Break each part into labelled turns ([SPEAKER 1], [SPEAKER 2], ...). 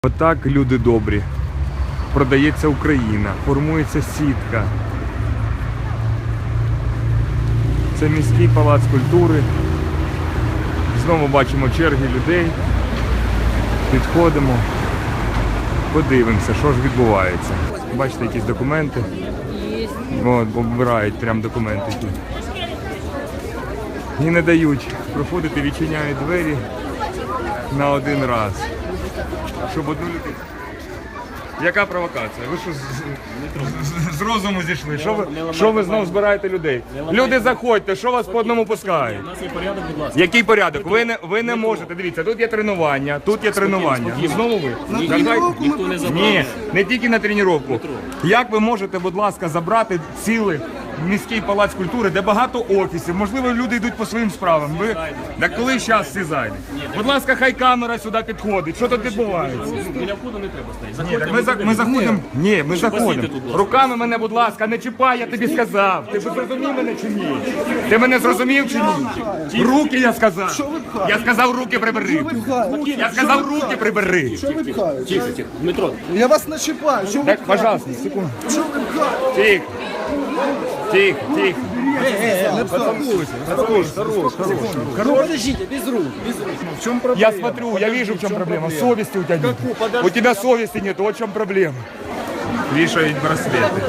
[SPEAKER 1] Отак, люди добрі, продається Україна, формується сітка. Це міський палац культури. Знову бачимо черги людей. Підходимо, подивимося, що ж відбувається. Бачите, якісь документи. От, обирають прям документи тут. І не дають проходити, відчиняють двері на один раз. Щоб одну людину. Яка провокація? Ви що з розуму зійшли? Що ви знову збираєте людей? Люди, заходьте, що вас по одному пускають?
[SPEAKER 2] У нас є порядок, будь ласка.
[SPEAKER 1] Який порядок? Ви не можете. Дивіться, тут є тренування, тут є тренування. І знову ви?
[SPEAKER 2] Ніхто не забрав.
[SPEAKER 1] Ні, не тільки на тренування. Як ви можете, будь ласка, забрати цілий міський палац культури, де багато офісів, можливо, люди йдуть по своїм справам. Ви... Так коли зараз всі зайдуть? Будь ласка, хай камера сюди підходить. Що тут відбувається?
[SPEAKER 2] Біля входу не треба стояти.
[SPEAKER 1] Ні, так ми заходимо. Ні, ми заходимо. Руками мене, будь ласка, не чіпай, я тобі сказав. Ти зрозумів мене чи ні? Ти мене зрозумів чи ні? Руки я сказав. Я сказав, руки прибери. Я сказав, руки прибери.
[SPEAKER 2] Тихо, тихо. Дмитро,
[SPEAKER 3] Я вас не чіпаю. Що ви
[SPEAKER 1] Так, пожалуйста, секунду. Тихо. Тихо, тихо.
[SPEAKER 3] Подождите, без рук. В чем проблема?
[SPEAKER 1] Я смотрю, я вижу, в чем проблема. Совести у тебя нет. У тебя совести нет, вот в чем проблема. Вешают браслеты.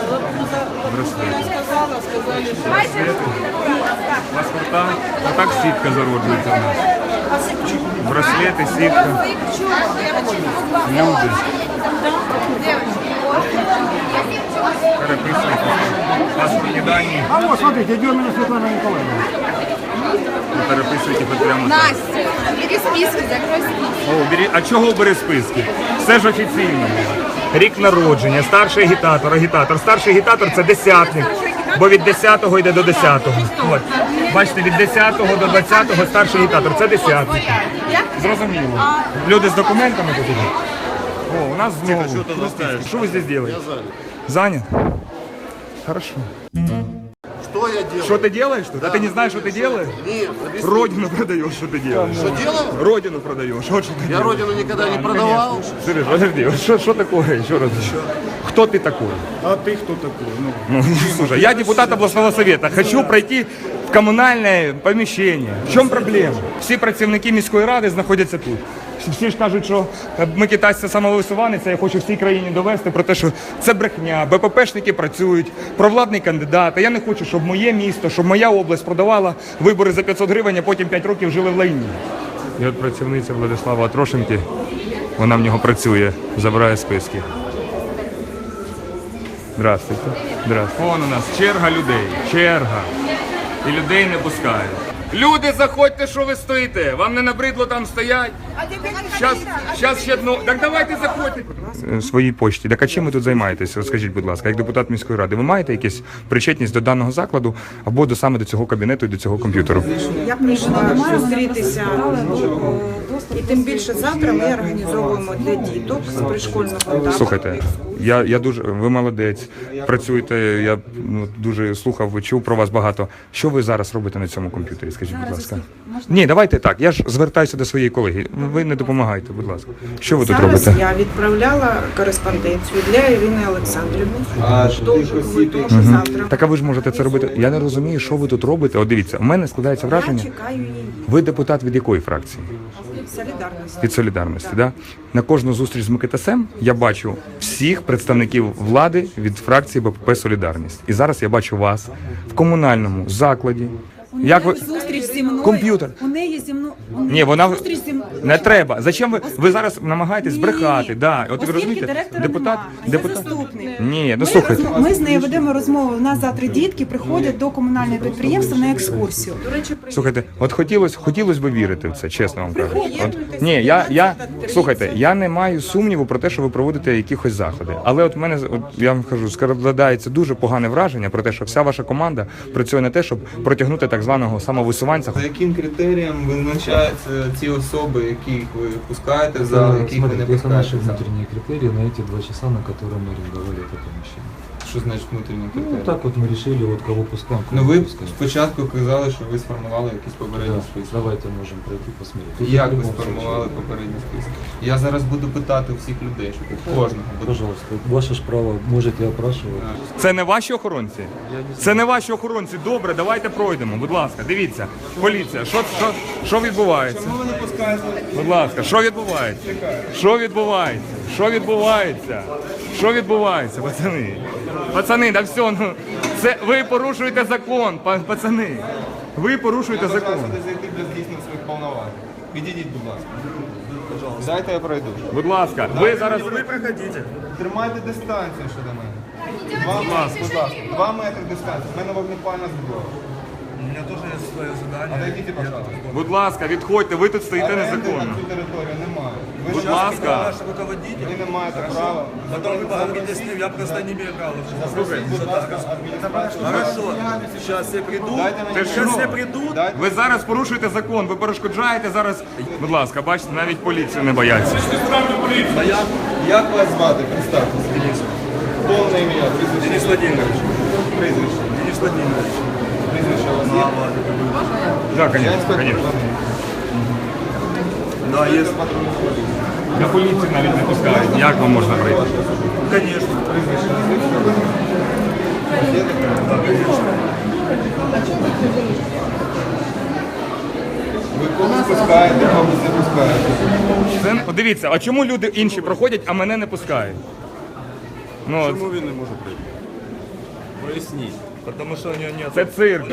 [SPEAKER 1] Браслеты. Паспорта. А так сітка зароджується у нас. Браслети, сітка. Люди. Переписуйте. Паспортні дані.
[SPEAKER 4] А вот, смотрите, идет меня Светлана Николаевна.
[SPEAKER 1] Переписуйте хоч прямо так.
[SPEAKER 5] Настя, бери списки, закрой списки.
[SPEAKER 1] А чого бери списки? Все ж офіційно. Рік народження, старший агітатор, агітатор. Старший агітатор – це десятник, бо від 10-го йде до 10-го. От. Бачите, від 10-го до 20-го старший агітатор – це десятник. Зрозуміло. Люди з документами тут ідуть. О, у нас знову. Що ви здесь делаете? Я занят. Занят? Хорошо.
[SPEAKER 6] Что я делаю?
[SPEAKER 1] Что ты делаешь тут? А ты не знаешь, что ты делаешь?
[SPEAKER 6] Нет, объясни.
[SPEAKER 1] Родину продаешь, что ты делаешь?
[SPEAKER 6] Что делаю?
[SPEAKER 1] Родину продаешь, вот что ты
[SPEAKER 6] Я
[SPEAKER 1] делаешь.
[SPEAKER 6] родину никогда не продавал.
[SPEAKER 1] Сереж, подожди, что такое? Еще раз. Кто ты такой?
[SPEAKER 4] А ты кто такой? Ну,
[SPEAKER 1] Ну, слушай, я депутат областного совета. Хочу пройти в коммунальное помещение. В чем проблема? Всі працівники міської ради знаходяться тут. Всі ж кажуть, що Микитась – це самовисуванець, я хочу всій країні довести про те, що це брехня, БППшники працюють, провладний кандидат. А я не хочу, щоб моє місто, щоб моя область продавала вибори за 500 гривень, а потім 5 років жили в лайні. І от працівниця Владислава Атрошенки, вона в нього працює, забирає списки. Здравствуйте. Здравствуйте. Вон у нас черга людей. Черга. І людей не пускають. Люди, заходьте, що ви стоїте? Вам не набридло там стоять? Щас ще одно. Так давайте заходьте. Своїй почті. Так а чим ви тут займаєтесь? Розкажіть, будь ласка, як депутат міської ради, ви маєте якусь причетність до даного закладу або саме до цього кабінету і до цього комп'ютеру?
[SPEAKER 7] Я прийшла зустрітися, і тим більше завтра ми організовуємо для діток з пришкольного етапу.
[SPEAKER 1] Слухайте, я дуже, ви молодець, працюєте, я дуже слухав, чув про вас багато. Що ви зараз робите на цьому комп'ютері, скажіть, будь ласка? Ні, давайте так, я ж звертаюся до своєї колеги, ви не допомагайте, будь ласка. Що ви тут
[SPEAKER 7] Зараз
[SPEAKER 1] робите?
[SPEAKER 7] я відправляла кореспонденцію для Ірини Олександрівни. Тож завтра.
[SPEAKER 1] Так а ви ж можете це робити. Я не розумію, що ви тут робите. От дивіться, у мене складається
[SPEAKER 7] Я
[SPEAKER 1] враження,
[SPEAKER 7] чекаю її.
[SPEAKER 1] ви депутат від якої фракції?
[SPEAKER 7] Солідарність.
[SPEAKER 1] Від Солідарності, да? На кожну зустріч з Микитасем я бачу всіх представників влади від фракції БПП «Солідарність». І зараз я бачу вас в комунальному закладі. Як ви...
[SPEAKER 8] Зустріч зі мною.
[SPEAKER 1] Комп'ютер.
[SPEAKER 8] У неї зі мною.
[SPEAKER 1] Ні, вона
[SPEAKER 8] Зустріч зі мною.
[SPEAKER 1] не треба. Зачем ви зараз намагаєтесь збрехати? Да. От ви
[SPEAKER 8] Оскільки
[SPEAKER 1] розумієте,
[SPEAKER 8] директора
[SPEAKER 1] депутат,
[SPEAKER 8] немає, я заступник.
[SPEAKER 1] Ні, ну слухайте.
[SPEAKER 8] Ми з нею ведемо розмову. У нас завтра дітки приходять до комунального підприємства на екскурсію.
[SPEAKER 1] Слухайте, от хотілось би вірити в це, чесно вам кажу. От, ні, слухайте, я не маю сумніву про те, що ви проводите якісь заходи. Але от в мене, от, я вам кажу, складається дуже погане враження про те, що вся ваша команда працює на те, щоб протягнути так званого самовисуванця.
[SPEAKER 9] За яким критерієм визначаються ці особи, яких ви пускаєте в зал, яких ви не
[SPEAKER 10] Смотрите, это
[SPEAKER 9] пускаєте
[SPEAKER 10] наши
[SPEAKER 9] в зал?
[SPEAKER 10] внутренние критерии на эти 2 часа, на которые мы арендовали это помещение.
[SPEAKER 9] Що значить внутрішній
[SPEAKER 10] Ну,
[SPEAKER 9] критерій?
[SPEAKER 10] так вот мы решили, вот кого пускаем. кого
[SPEAKER 9] Ну
[SPEAKER 10] не
[SPEAKER 9] ви
[SPEAKER 10] пускаем.
[SPEAKER 9] спочатку казали, що ви сформували якісь попередні
[SPEAKER 10] Да,
[SPEAKER 9] списки.
[SPEAKER 10] давайте можем пройти посмотреть. Тут
[SPEAKER 9] Як
[SPEAKER 10] в
[SPEAKER 9] ви
[SPEAKER 10] любом
[SPEAKER 9] сформували
[SPEAKER 10] случае,
[SPEAKER 9] попередні списки? Я зараз буду питати у всіх людей, що тут кожного буду.
[SPEAKER 10] Пожалуйста, ваше ж право, можете опрашивать.
[SPEAKER 1] Це не ваші охоронці? Це не ваші охоронці. Добре, давайте пройдемо. Будь ласка, дивіться. Поліція, що відбувається?
[SPEAKER 9] Чому ви не пускаєте?
[SPEAKER 1] Будь ласка, що відбувається? Що відбувається? Що відбувається? Що відбувається, пацани? Пацани, да все, ну це ви порушуєте закон, пацани. Ви порушуєте закон.
[SPEAKER 9] сюди зайти без дійсно своїх повноважень. Підійдіть, будь ласка. Дайте я пройду.
[SPEAKER 1] Будь ласка, ви зараз.
[SPEAKER 9] Тримайте дистанцію щодо мене. 2 метри, будь ласка. 2 метри дистанції. У мене вогнепальна зброя. У мене теж є своє завдання. Отойдіть, пожалуйста.
[SPEAKER 1] Будь ласка, відходьте, ви тут стоїте
[SPEAKER 9] Оренди
[SPEAKER 1] незаконно.
[SPEAKER 9] на цю територію немає. Ви
[SPEAKER 1] Будь
[SPEAKER 9] ж
[SPEAKER 1] ласка.
[SPEAKER 9] ви не маєте права.
[SPEAKER 11] Потом вы поговорите с ним, я просто не имею права.
[SPEAKER 9] Хорошо.
[SPEAKER 11] Сейчас все придут.
[SPEAKER 9] Дайте мені
[SPEAKER 1] Ти
[SPEAKER 11] Сейчас
[SPEAKER 1] що?
[SPEAKER 11] все придут.
[SPEAKER 9] Дайте.
[SPEAKER 1] Ви зараз порушуєте закон, ви перешкоджаєте зараз. Будь ласка, бачите, навіть поліцію не бояться.
[SPEAKER 9] Як вас звати? Представтеся. Повне ім'я, прізвище.
[SPEAKER 11] Денис Владимирович.
[SPEAKER 9] Прізвище.
[SPEAKER 11] Денис Владимирович.
[SPEAKER 9] Прізвище у вас є?
[SPEAKER 1] Так,
[SPEAKER 9] Я
[SPEAKER 1] звісно,
[SPEAKER 9] інспектор.
[SPEAKER 1] звісно.
[SPEAKER 11] Да, есть.
[SPEAKER 1] До поліції навіть не пускають. Як вам можна прийти?
[SPEAKER 11] Конечно.
[SPEAKER 9] Ви когось пускаєте, когось не пускаєте.
[SPEAKER 1] Дивіться, а чому люди інші проходять, а мене не пускають? Ну, от,
[SPEAKER 11] Чому він не може прийти? Поясніть. Потому что у него нет.
[SPEAKER 1] це цирк.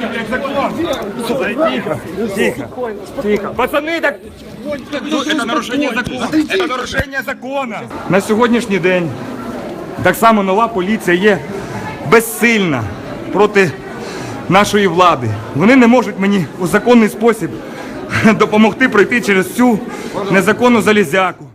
[SPEAKER 1] Тихо. Тихо. Пацани, так це нарушення закону. Це нарушення закону. На сьогоднішній день так само нова поліція є безсильна проти нашої влади. Вони не можуть мені у законний спосіб допомогти пройти через цю незаконну залізяку.